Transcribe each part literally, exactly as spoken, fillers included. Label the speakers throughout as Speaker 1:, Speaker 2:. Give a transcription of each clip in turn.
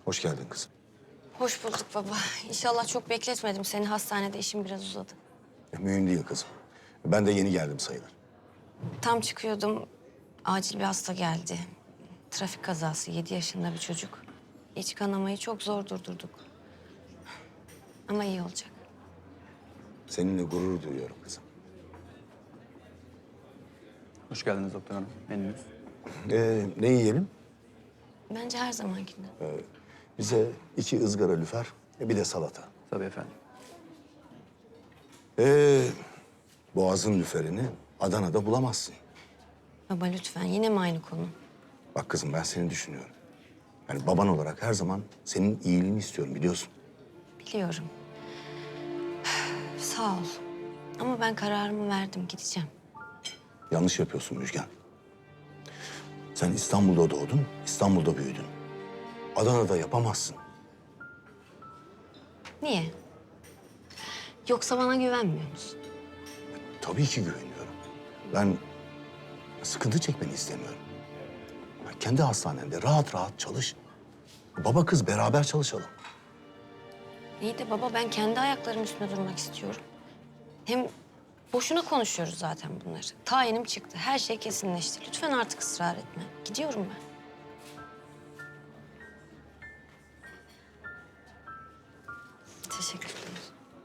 Speaker 1: Hoş geldin kızım.
Speaker 2: Hoş bulduk baba. İnşallah çok bekletmedim seni. Hastanede işim biraz uzadı.
Speaker 1: E, mühim değil kızım. Ben de yeni geldim sayılır.
Speaker 2: Tam çıkıyordum. Acil bir hasta geldi. Trafik kazası. Yedi yaşında bir çocuk. İç kanamayı çok zor durdurduk. Ama iyi olacak.
Speaker 1: Seninle gurur duyuyorum kızım.
Speaker 3: Hoş geldiniz doktor hanım. Menünüz.
Speaker 1: Ee, ne yiyelim?
Speaker 2: Bence her zamankinden.
Speaker 1: Bize iki ızgara lüfer, e, bir de salata.
Speaker 3: Tabii efendim.
Speaker 1: Ee, Boğaz'ın lüferini Adana'da bulamazsın.
Speaker 2: Baba lütfen. Yine mi aynı konu?
Speaker 1: Bak kızım, ben seni düşünüyorum. Yani baban olarak her zaman senin iyiliğini istiyorum, biliyorsun.
Speaker 2: Biliyorum. Sağ ol. Ama ben kararımı verdim. Gideceğim.
Speaker 1: Yanlış yapıyorsun Müjgan. Sen İstanbul'da doğdun, İstanbul'da büyüdün. Adana'da yapamazsın.
Speaker 2: Niye? Yoksa bana güvenmiyor musun?
Speaker 1: Tabii ki güveniyorum. Ben sıkıntı çekmeni istemiyorum. Ya kendi hastanende rahat rahat çalış. Baba kız beraber çalışalım.
Speaker 2: İyi de baba ben kendi ayaklarım üstünde durmak istiyorum. Hem boşuna konuşuyoruz zaten bunları. Tayinim çıktı. Her şey kesinleşti. Lütfen artık ısrar etme. Gidiyorum ben. Teşekkür ederim.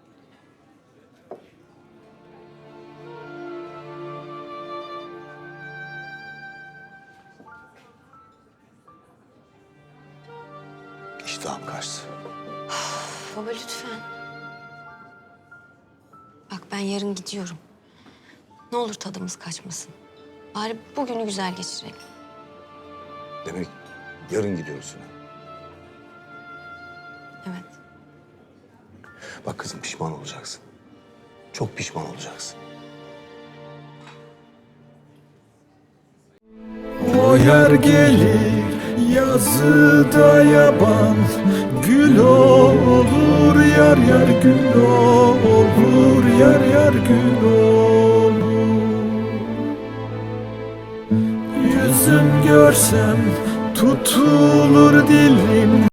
Speaker 1: İştahım kaçtı.
Speaker 2: Baba lütfen. Bak ben yarın gidiyorum. Ne olur tadımız kaçmasın. Bari bugünü güzel geçirelim.
Speaker 1: Demek yarın gidiyorsun. ha?
Speaker 2: Evet.
Speaker 1: Bak kızım, pişman olacaksın. Çok pişman olacaksın.
Speaker 4: O yer gelir yazıda yaban, gül olur yar yar gül olur yar yar gül olur. Yüzüm görsem tutulur dilim.